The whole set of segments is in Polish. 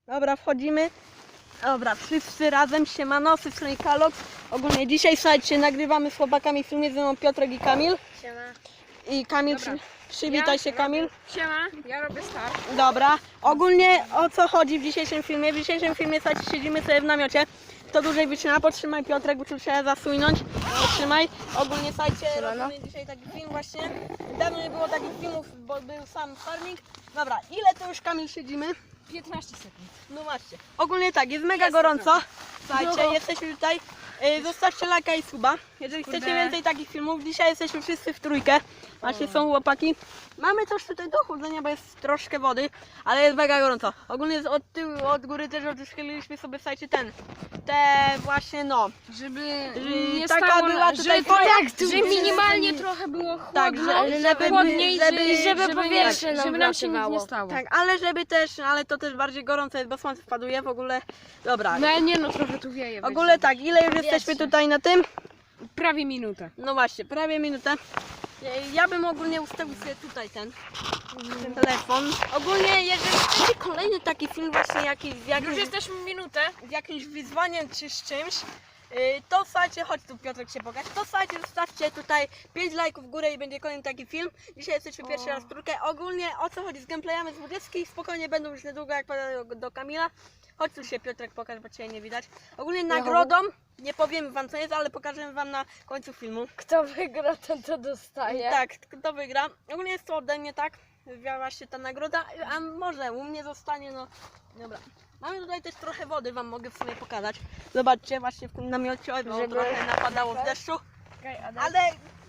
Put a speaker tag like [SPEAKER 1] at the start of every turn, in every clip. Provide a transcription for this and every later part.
[SPEAKER 1] Dobra, wchodzimy. Dobra, wszyscy razem, siemano, z tej strony Kalok. Ogólnie dzisiaj, słuchajcie, nagrywamy z chłopakami filmy, ze mną Piotrek i Kamil.
[SPEAKER 2] Siema.
[SPEAKER 1] I Kamil, przywitaj się, Kamil.
[SPEAKER 2] Siema, ja robię start.
[SPEAKER 1] Dobra, ogólnie o co chodzi w dzisiejszym filmie? W dzisiejszym filmie, słuchajcie, siedzimy sobie w namiocie. Kto dłużej wytrzyma, potrzymaj Piotrek, bo tu trzeba zasunąć. Potrzymaj. Ogólnie, słuchajcie, robimy dzisiaj taki film właśnie. Dawno nie było takich filmów, bo był sam farming. Dobra, ile to już, Kamil, siedzimy?
[SPEAKER 2] 15 sekund.
[SPEAKER 1] No właśnie. Ogólnie tak, jest mega gorąco. Słuchajcie, jesteśmy tutaj. Zostawcie lajka i suba. Jeżeli chcecie więcej takich filmów, dzisiaj jesteśmy wszyscy w trójkę. Właśnie są chłopaki. Mamy coś tutaj do chłodzenia, bo jest troszkę wody, ale jest mega gorąco. Ogólnie jest od tyłu, od góry też odszkyliliśmy sobie, słuchajcie, te właśnie no.
[SPEAKER 2] Żeby
[SPEAKER 1] nie
[SPEAKER 2] nie
[SPEAKER 1] taka
[SPEAKER 2] stało,
[SPEAKER 1] była
[SPEAKER 2] że
[SPEAKER 1] tutaj
[SPEAKER 2] tak,
[SPEAKER 1] folia,
[SPEAKER 2] że minimalnie trochę było chłodno,
[SPEAKER 1] Tak, żeby
[SPEAKER 2] chłodniej,
[SPEAKER 1] żeby
[SPEAKER 2] powietrze żeby nam się nic nie stało.
[SPEAKER 1] Tak, ale żeby też, ale to też bardziej gorąco jest, bo słońce wpaduje w ogóle. Dobra.
[SPEAKER 2] No nie no, trochę tu wieje.
[SPEAKER 1] W ogóle tak, ile już jesteśmy tutaj na tym?
[SPEAKER 2] Prawie minutę.
[SPEAKER 1] No właśnie, prawie minutę. Ja bym ogólnie ustawił sobie tutaj ten telefon. Ogólnie, jeżeli chcecie kolejny taki film właśnie jakiś,
[SPEAKER 2] Już jesteśmy minutę.
[SPEAKER 1] z jakimś wyzwaniem czy z czymś, to słuchajcie, chodź tu Piotrek się pokaż, to słuchajcie, zostawcie tutaj 5 lajków w górę i będzie kolejny taki film. Dzisiaj jesteśmy pierwszy raz w trójkę. Ogólnie o co chodzi z gameplayami z 20 spokojnie będą już niedługo, jak powiem do Kamila. Chodź tu się Piotrek pokaż, bo Cię nie widać. Ogólnie nagrodą, nie powiem wam co jest, ale pokażę wam na końcu filmu.
[SPEAKER 2] Kto wygra, ten to dostaje.
[SPEAKER 1] Tak, kto wygra. Ogólnie jest to ode mnie, tak? Właśnie ta nagroda, a może u mnie zostanie, no dobra. Mamy tutaj też trochę wody, wam mogę w sumie pokazać. Zobaczcie, właśnie w tym namiocie, no, trochę napadało z deszczu. Ale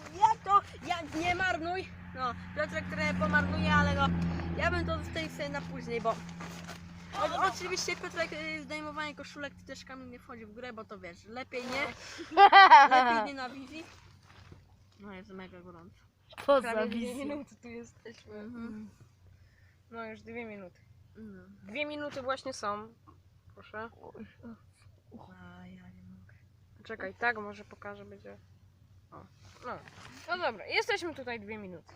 [SPEAKER 1] jak nie marnuj. No, Piotrek trochę pomarnuje, ale no, ja bym to zostawił sobie na później, bo oczywiście Piotrek, zdejmowanie koszulek, ty też Kamil nie wchodzi w grę, bo to wiesz, lepiej nie na wizji. No jest mega gorąco.
[SPEAKER 2] Prawie 2 minuty tu jesteśmy. No już 2 minuty. 2 minuty właśnie są. Proszę.
[SPEAKER 1] A ja nie mogę.
[SPEAKER 2] Czekaj, tak może pokażę, będzie. O. No dobra, jesteśmy tutaj 2 minuty.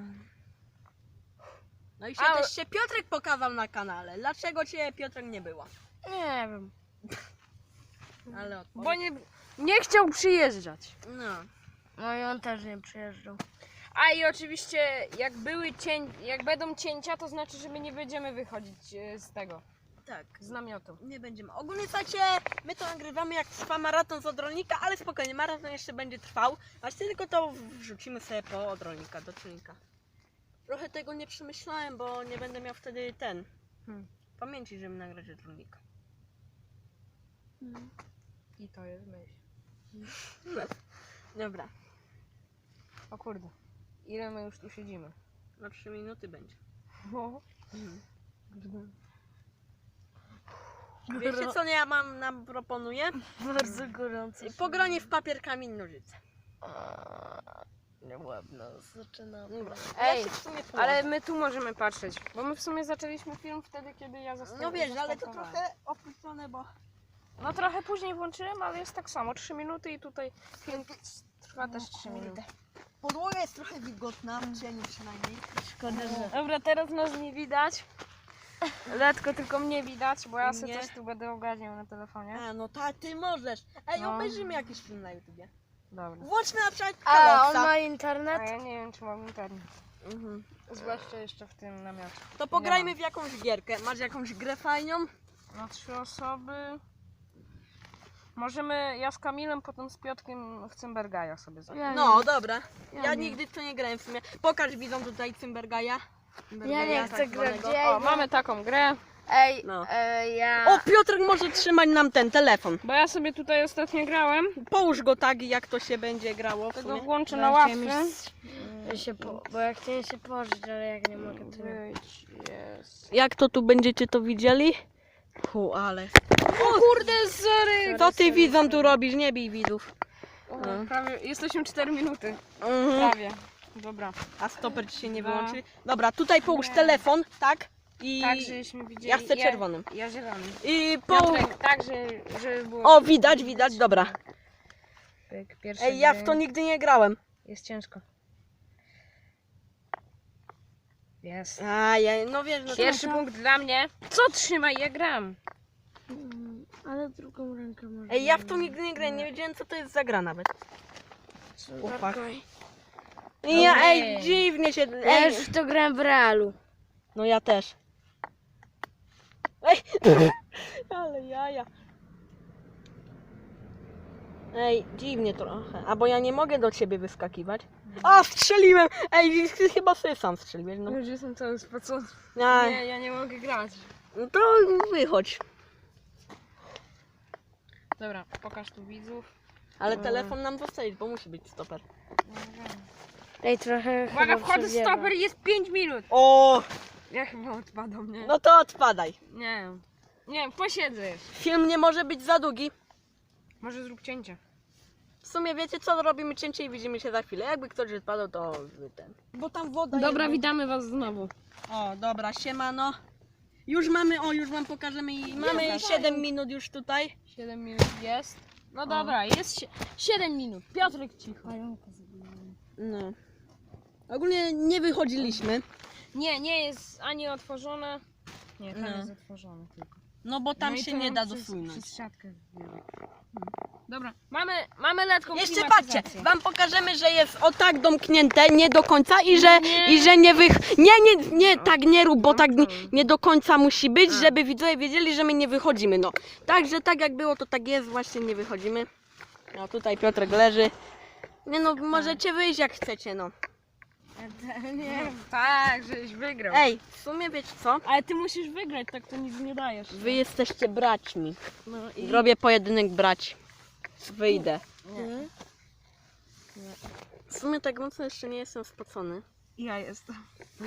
[SPEAKER 1] No i się też się Piotrek pokazał na kanale. Dlaczego Cię Piotrek nie było?
[SPEAKER 2] Nie wiem.
[SPEAKER 1] Ale
[SPEAKER 2] Bo nie chciał przyjeżdżać.
[SPEAKER 1] No.
[SPEAKER 3] No i on też nie przyjeżdżał.
[SPEAKER 2] A i oczywiście jak będą cięcia, to znaczy, że my nie będziemy wychodzić z tego,
[SPEAKER 1] Tak.
[SPEAKER 2] z namiotu.
[SPEAKER 1] Nie będziemy. Ogólnie słuchajcie, my to nagrywamy jak trwa maraton z odrolnika, ale spokojnie, maraton jeszcze będzie trwał. Właśnie tylko to wrzucimy sobie po odrolnika, do czujnika. Trochę tego nie przemyślałem, bo nie będę miał wtedy pamięci, żeby nagrać odrolnika.
[SPEAKER 2] I to jest myśl.
[SPEAKER 1] Dobra,
[SPEAKER 2] O kurde. Ile my już tu siedzimy?
[SPEAKER 1] na 3 minuty będzie. Wiecie co ja nam proponuję?
[SPEAKER 3] Bardzo gorąco.
[SPEAKER 1] Pogranie w papier, kamień, nożyce.
[SPEAKER 3] Ładno, zaczynamy.
[SPEAKER 1] Dobra.
[SPEAKER 2] Ej,
[SPEAKER 1] ja się w sumie
[SPEAKER 2] ale
[SPEAKER 1] położę.
[SPEAKER 2] my tu możemy patrzeć, bo my w sumie zaczęliśmy film wtedy, kiedy ja
[SPEAKER 1] No wiesz, ale to
[SPEAKER 2] zastartowałem.
[SPEAKER 1] trochę opuszczone, bo...
[SPEAKER 2] No trochę później włączyłem, ale jest tak samo, 3 minuty i tutaj film trwa też 3 minuty.
[SPEAKER 1] Podłoga jest trochę wilgotna, w cieniu przynajmniej.
[SPEAKER 3] Szkoda, że...
[SPEAKER 2] Dobra, teraz nas nie widać. Letko tylko mnie widać, bo ja sobie
[SPEAKER 1] Nie.
[SPEAKER 2] coś tu będę ogarniał na telefonie.
[SPEAKER 1] A, no ty możesz. Ej,
[SPEAKER 2] No.
[SPEAKER 1] obejrzymy jakiś film na YouTubie.
[SPEAKER 2] Dobra.
[SPEAKER 1] Włączmy na przykład
[SPEAKER 3] A, on
[SPEAKER 1] Kaloksa.
[SPEAKER 3] ma
[SPEAKER 2] A
[SPEAKER 3] internet?
[SPEAKER 2] ja nie wiem, czy mam internet. Zwłaszcza jeszcze w tym namiocie.
[SPEAKER 1] To pograjmy w jakąś gierkę. Masz jakąś grę fajną?
[SPEAKER 2] Na 3 osoby. Możemy, ja z Kamilem, potem z Piotrkiem w Cymbergaja sobie zagrać.
[SPEAKER 1] No, dobra. Ja
[SPEAKER 3] nie.
[SPEAKER 1] nigdy w to nie grałem w sumie. Pokaż widzom tutaj Cymbergaja.
[SPEAKER 3] Ja nie chcę grać.
[SPEAKER 2] O, mamy taką grę.
[SPEAKER 3] Ej,
[SPEAKER 1] No.
[SPEAKER 3] ja...
[SPEAKER 1] O, Piotrek może trzymać nam ten telefon.
[SPEAKER 2] Bo ja sobie tutaj ostatnio grałem.
[SPEAKER 1] Połóż go tak, jak to się będzie grało w
[SPEAKER 2] Tego
[SPEAKER 1] sumie.
[SPEAKER 2] włączę na ławkę.
[SPEAKER 3] Bo ja chciałem się położyć, ale jak nie mogę, to nie.
[SPEAKER 2] Jest.
[SPEAKER 1] Jak to tu będziecie to widzieli? Ale...
[SPEAKER 2] O kurde, sorry!
[SPEAKER 1] Co ty widzom tu robisz? Nie bij widzów.
[SPEAKER 2] Prawie, jesteśmy 4 minuty.
[SPEAKER 1] Mhm.
[SPEAKER 2] Prawie. Dobra.
[SPEAKER 1] A stoper ci się nie
[SPEAKER 2] Dwa.
[SPEAKER 1] wyłączy? Dobra, tutaj połóż telefon, tak? I
[SPEAKER 2] Tak, żeśmy widzieli.
[SPEAKER 1] ja chcę czerwonym.
[SPEAKER 2] Ja zielonym.
[SPEAKER 1] I połóż...
[SPEAKER 2] Piotrek, tak, żeby było...
[SPEAKER 1] O, widać, dobra.
[SPEAKER 2] Pyk, pierwszy
[SPEAKER 1] Ej, ja w
[SPEAKER 2] dzień.
[SPEAKER 1] to nigdy nie grałem.
[SPEAKER 2] Jest ciężko. Jest.
[SPEAKER 1] A, ja, no wiesz, no
[SPEAKER 2] Pierwszy punkt dla mnie. Co trzymaj, ja gram.
[SPEAKER 3] Ale drugą rękę może.
[SPEAKER 1] Ej, ja w to nigdy nie grałem, nie wiedziałem co to jest za gra nawet. Chłopak. Ja, ej, dziwnie się...
[SPEAKER 3] Ja
[SPEAKER 1] Ej,
[SPEAKER 3] już w to grałem w realu.
[SPEAKER 1] no ja też. Ej, ale jaja. Ej, dziwnie trochę. A bo ja nie mogę do ciebie wyskakiwać. A, strzeliłem! Ej, ty chyba sobie sam strzeliłeś. No.
[SPEAKER 2] Już jestem cały spocony.
[SPEAKER 1] A,
[SPEAKER 2] Nie, ja nie mogę grać.
[SPEAKER 1] no to wychodź.
[SPEAKER 2] Dobra, pokaż tu widzów.
[SPEAKER 1] Ale telefon nam zostawić, bo musi być stoper.
[SPEAKER 3] Ej, trochę.
[SPEAKER 2] Uwaga,
[SPEAKER 3] chyba
[SPEAKER 2] wchodzę
[SPEAKER 3] przewiewa.
[SPEAKER 2] stoper i jest 5 minut.
[SPEAKER 1] O,
[SPEAKER 2] Ja chyba odpadam, nie?
[SPEAKER 1] no to odpadaj.
[SPEAKER 2] Nie. Nie, posiedzę jeszcze.
[SPEAKER 1] Film nie może być za długi.
[SPEAKER 2] Może zrób cięcie.
[SPEAKER 1] W sumie wiecie co, robimy cięcie i widzimy się za chwilę. Jakby ktoś odpadł, to ten. Bo tam woda
[SPEAKER 2] Dobra,
[SPEAKER 1] jest.
[SPEAKER 2] witamy was znowu.
[SPEAKER 1] O, dobra, siemano. Już mamy, już wam pokażemy i mamy 7 minut już tutaj.
[SPEAKER 2] 7 minut jest. No dobra, jest 7 minut. Piotrek cicho.
[SPEAKER 1] No. Ogólnie nie wychodziliśmy.
[SPEAKER 2] Nie, nie jest ani otworzone. Nie, tam
[SPEAKER 1] No.
[SPEAKER 2] jest otworzone tylko.
[SPEAKER 1] No bo tam
[SPEAKER 2] No i
[SPEAKER 1] się
[SPEAKER 2] to
[SPEAKER 1] nie
[SPEAKER 2] nam
[SPEAKER 1] da
[SPEAKER 2] przez-
[SPEAKER 1] dosunąć.
[SPEAKER 2] Przez siatkę wbije. Dobra, mamy letką
[SPEAKER 1] Jeszcze
[SPEAKER 2] klimatyzację.
[SPEAKER 1] patrzcie, wam pokażemy, że jest o tak domknięte, nie do końca i że
[SPEAKER 2] Nie.
[SPEAKER 1] nie nie, tak nie rób, bo tak nie do końca musi być, żeby widzowie wiedzieli, że my nie wychodzimy, no. Także tak jak było, to tak jest, właśnie nie wychodzimy. No tutaj Piotrek leży. Nie no, możecie wyjść jak chcecie, no.
[SPEAKER 2] Nie, tak, żeś wygrał.
[SPEAKER 1] Ej, w sumie wiecie co?
[SPEAKER 2] Ale ty musisz wygrać, tak to nic nie dajesz.
[SPEAKER 1] Wy jesteście braćmi.
[SPEAKER 2] No i
[SPEAKER 1] Zrobię pojedynek braci. Wyjdę.
[SPEAKER 2] nie.
[SPEAKER 1] W sumie tak mocno jeszcze nie jestem spocony.
[SPEAKER 2] Ja jestem.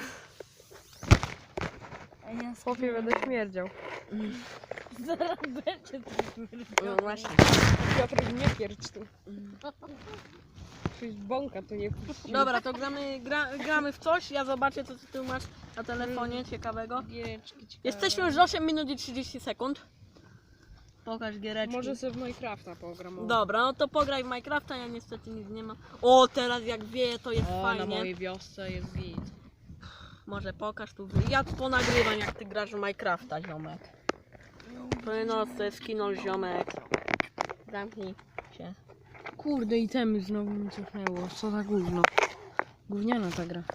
[SPEAKER 2] Chłopie, będę śmierdział.
[SPEAKER 3] Zaraz będzie.
[SPEAKER 1] No właśnie.
[SPEAKER 2] Piotrek, nie pierdź tu. Coś bąka to nie puści.
[SPEAKER 1] Dobra, to gramy w coś. Ja zobaczę, co ty masz na telefonie ciekawego.
[SPEAKER 2] Giereczki ciekawe.
[SPEAKER 1] Jesteśmy już 8 minut i 30 sekund. Pokaż giereczki.
[SPEAKER 2] Może sobie w Minecrafta pogram.
[SPEAKER 1] Dobra, no to pograj w Minecrafta, ja niestety nic nie mam. O, teraz jak wieje, to jest
[SPEAKER 2] O, na
[SPEAKER 1] fajnie.
[SPEAKER 2] mojej wiosce jest git.
[SPEAKER 1] Może pokaż tu. Ja tu ponagrywam, jak ty grasz w Minecrafta, ziomek. No, to jest kino, ziomek. Zamknij się.
[SPEAKER 2] Kurde, itemy znowu mi cofnęło. Co za gówno. Gówniana ta gra.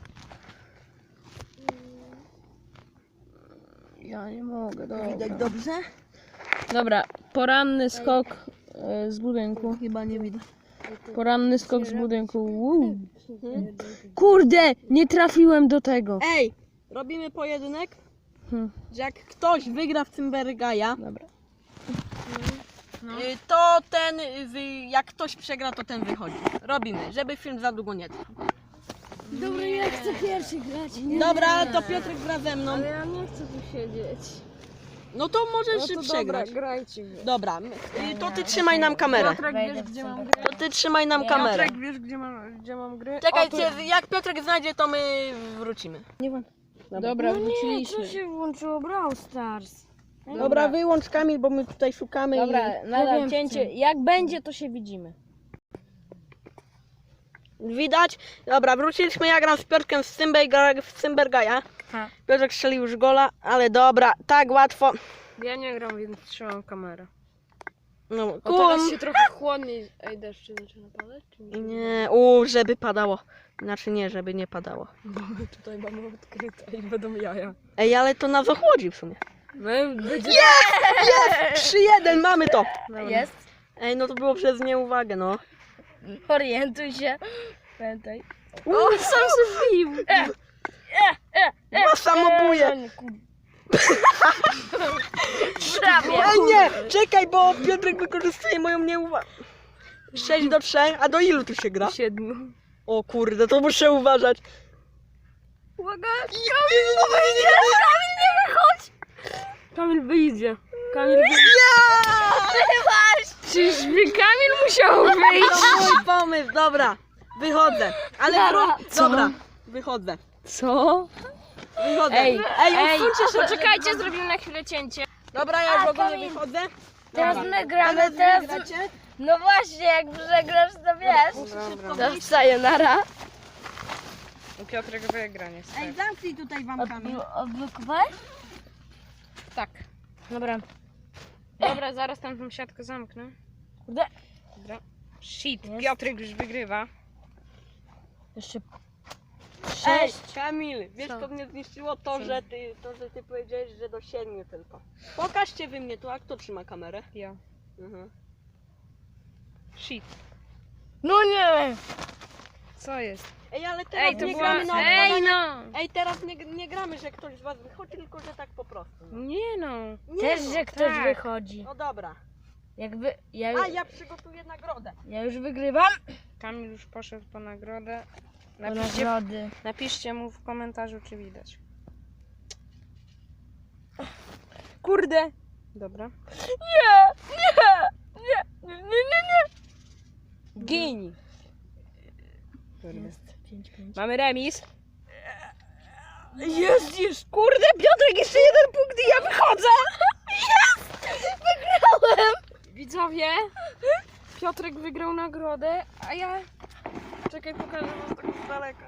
[SPEAKER 2] Ja nie mogę,
[SPEAKER 1] Widać dobrze?
[SPEAKER 2] Dobra, poranny skok z budynku.
[SPEAKER 1] Chyba nie widać.
[SPEAKER 2] Poranny skok z budynku. Kurde, nie trafiłem do tego.
[SPEAKER 1] Ej, robimy pojedynek.
[SPEAKER 2] Hmm.
[SPEAKER 1] Że jak ktoś wygra w Cymbergaja,
[SPEAKER 2] Dobra.
[SPEAKER 1] to ten, jak ktoś przegra, to ten wychodzi. Robimy, żeby film za długo nie trwał.
[SPEAKER 3] Dobra, ja chcę pierwszy grać. Nie?
[SPEAKER 1] Dobra, to Piotrek gra ze mną.
[SPEAKER 3] Ale ja nie chcę tu siedzieć.
[SPEAKER 1] No to możesz przegrać.
[SPEAKER 2] grajcie.
[SPEAKER 1] Dobra, to ty trzymaj nam kamerę.
[SPEAKER 2] Piotrek,
[SPEAKER 3] Wejdę
[SPEAKER 2] wiesz
[SPEAKER 3] w
[SPEAKER 2] gdzie mam
[SPEAKER 3] center.
[SPEAKER 2] gry?
[SPEAKER 1] To ty trzymaj nam kamerę.
[SPEAKER 2] Piotrek, wiesz gdzie mam gry?
[SPEAKER 1] Czekajcie,
[SPEAKER 2] O, tu-
[SPEAKER 1] jak Piotrek znajdzie, to my wrócimy.
[SPEAKER 2] Dobra,
[SPEAKER 3] No nie,
[SPEAKER 2] wróciliśmy.
[SPEAKER 3] co się włączyło? Brawl Stars.
[SPEAKER 1] Dobra, wyłącz Kamil, bo my tutaj szukamy
[SPEAKER 2] Dobra,
[SPEAKER 3] Ja
[SPEAKER 2] nadal
[SPEAKER 3] wiem,
[SPEAKER 2] cięcie. Jak będzie, to się widzimy.
[SPEAKER 1] Widać? Dobra, wróciliśmy, ja gram z Piotrkiem w Cymbergaja.
[SPEAKER 2] Ha.
[SPEAKER 1] Piotrek strzelił już gola, ale dobra, tak łatwo.
[SPEAKER 2] Ja nie gram, więc trzymam kamerę.
[SPEAKER 1] No,
[SPEAKER 2] O, teraz się trochę chłodniej. Ej, deszcz zaczyna padać? Czy nie?
[SPEAKER 1] Nie, żeby padało. Znaczy nie, żeby nie padało.
[SPEAKER 2] Bo tutaj mamy odkryte i będą jaja.
[SPEAKER 1] Ej, ale to nas ochłodzi w sumie.
[SPEAKER 2] My będzie...
[SPEAKER 1] 3-1, mamy to.
[SPEAKER 3] Jest.
[SPEAKER 1] Ej, no to było przez nieuwagę, no.
[SPEAKER 3] Orientuj się. Pamiętaj.
[SPEAKER 1] O, sam się wbił. Ma samobuje.
[SPEAKER 3] Prawie.
[SPEAKER 1] Ej, nie, czekaj, bo Piotrek wykorzystuje moją nieuwagę. 6-3, a do ilu tu się gra?
[SPEAKER 2] 7.
[SPEAKER 1] O kurde, to muszę uważać.
[SPEAKER 2] Uwaga!
[SPEAKER 1] Kamil, nie wychodź!
[SPEAKER 2] Kamil wyjdzie. Kamil wyjdzie. Czyżby Kamil musiał wyjść?
[SPEAKER 1] To mój pomysł, dobra. Wychodzę. Ale
[SPEAKER 2] Co?
[SPEAKER 1] dobra, wychodzę.
[SPEAKER 2] Co?
[SPEAKER 1] Wychodzę.
[SPEAKER 2] Ej,
[SPEAKER 1] usuńcie się.
[SPEAKER 2] poczekajcie, zrobimy na chwilę cięcie.
[SPEAKER 1] Dobra, ja już
[SPEAKER 3] A,
[SPEAKER 1] ogólnie
[SPEAKER 3] Kamil.
[SPEAKER 1] wychodzę.
[SPEAKER 3] Teraz
[SPEAKER 1] Dobra.
[SPEAKER 3] my gramy,
[SPEAKER 1] Ale wy
[SPEAKER 3] teraz...
[SPEAKER 1] gracie?
[SPEAKER 3] No właśnie, jak przegrasz, to wiesz.
[SPEAKER 1] Dobra.
[SPEAKER 3] To sayonara.
[SPEAKER 2] I Piotrek wygra niestety.
[SPEAKER 1] Ej, zamknij tutaj wam Kamil.
[SPEAKER 3] Odblokowałeś?
[SPEAKER 2] Tak.
[SPEAKER 3] Dobra.
[SPEAKER 2] Dobra, zaraz tam tą siatkę zamknę.
[SPEAKER 3] Kurde.
[SPEAKER 2] Dobra. Shit,
[SPEAKER 3] Jest.
[SPEAKER 2] Piotrek już wygrywa.
[SPEAKER 3] Jeszcze
[SPEAKER 1] Ej,
[SPEAKER 3] 6.
[SPEAKER 1] Kamil, wiesz
[SPEAKER 3] Co?
[SPEAKER 1] co mnie zniszczyło? To,
[SPEAKER 2] Co?
[SPEAKER 1] że ty powiedziałeś, że do 7 tylko. Pokażcie wy mnie tu, a kto trzyma kamerę?
[SPEAKER 2] Ja.
[SPEAKER 1] Mhm.
[SPEAKER 2] Shit.
[SPEAKER 3] No nie!
[SPEAKER 2] Co jest?
[SPEAKER 1] Ej, ale teraz
[SPEAKER 2] Ej, to
[SPEAKER 1] nie
[SPEAKER 2] była...
[SPEAKER 1] gramy na
[SPEAKER 2] Ej,
[SPEAKER 1] odkładanie.
[SPEAKER 2] no!
[SPEAKER 1] Ej, teraz nie gramy, że ktoś z was wychodzi, tylko że tak po prostu. No,
[SPEAKER 2] Nie no.
[SPEAKER 1] nie
[SPEAKER 3] Też,
[SPEAKER 1] no.
[SPEAKER 3] że ktoś
[SPEAKER 2] tak.
[SPEAKER 3] wychodzi.
[SPEAKER 1] No dobra.
[SPEAKER 3] Jakby ja,
[SPEAKER 1] A ja przygotuję nagrodę.
[SPEAKER 3] ja już wygrywam.
[SPEAKER 2] Kamil już poszedł po nagrodę.
[SPEAKER 3] Do
[SPEAKER 2] Napiszcie,
[SPEAKER 3] nagrody.
[SPEAKER 2] napiszcie mu w komentarzu, czy widać. Kurde! Dobra.
[SPEAKER 3] Nie!
[SPEAKER 2] Gin!
[SPEAKER 3] Jest 5-5.
[SPEAKER 2] Mamy remis.
[SPEAKER 3] Jest!
[SPEAKER 2] Kurde, Piotrek, jeszcze jeden punkt i ja wychodzę!
[SPEAKER 3] Wygrałem!
[SPEAKER 2] Widzowie, Piotrek wygrał nagrodę, a ja... Czekaj, pokażę wam tak z daleka.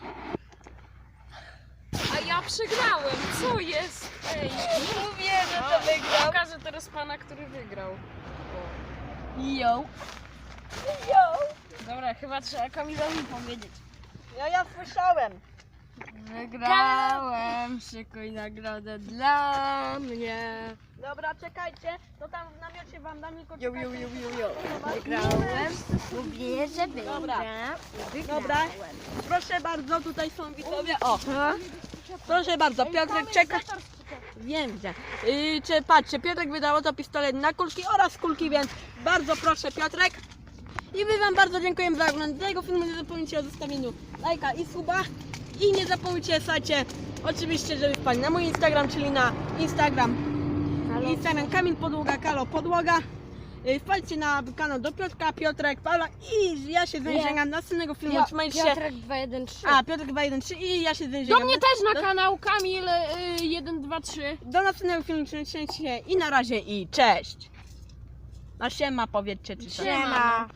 [SPEAKER 2] A ja przegrałem, co jest? Ej,
[SPEAKER 3] Mówię, że to wygrał.
[SPEAKER 2] pokażę teraz pana, który wygrał.
[SPEAKER 3] Yo! Yo! Dobra, chyba trzeba Kamilowi powiedzieć.
[SPEAKER 1] Ja słyszałem.
[SPEAKER 3] Wygrałem, szykuj nagrodę dla mnie.
[SPEAKER 1] Dobra, czekajcie. To tam w namiocie wam dam tylko
[SPEAKER 3] Jo,
[SPEAKER 1] czekajcie.
[SPEAKER 3] jo, jo, jo, jo.
[SPEAKER 1] Zobacz.
[SPEAKER 3] Wygrałem, mówię, że
[SPEAKER 1] Dobra.
[SPEAKER 3] wygram.
[SPEAKER 1] Dobra. Proszę bardzo, tutaj są widzowie. O! Proszę bardzo, Piotrek czeka. Wiem gdzie. Czy patrzcie, Piotrek wydał to pistolet na kulki oraz kulki, więc bardzo proszę Piotrek. I my wam bardzo dziękujemy za oglądanie tego filmu. Nie zapomnijcie o zostawieniu lajka i suba. I nie zapomnijcie, słuchajcie, oczywiście, żeby wpaść na mój Instagram, czyli na Instagram Kamil Podłoga, Kalo Podłoga. Wpadźcie na kanał do Piotrka, Piotrek, Paula i ja się z wami
[SPEAKER 3] Nie.
[SPEAKER 1] żegnam. Następnego filmu trzymajcie się.
[SPEAKER 3] Piotrek 213.
[SPEAKER 1] A, Piotrek 213 i ja się z wami żegnam.
[SPEAKER 2] Do mnie też na kanał Kamil 123.
[SPEAKER 1] Do następnego filmu trzymajcie się i na razie i cześć. A siema powiedzcie czy coś.
[SPEAKER 3] Siema.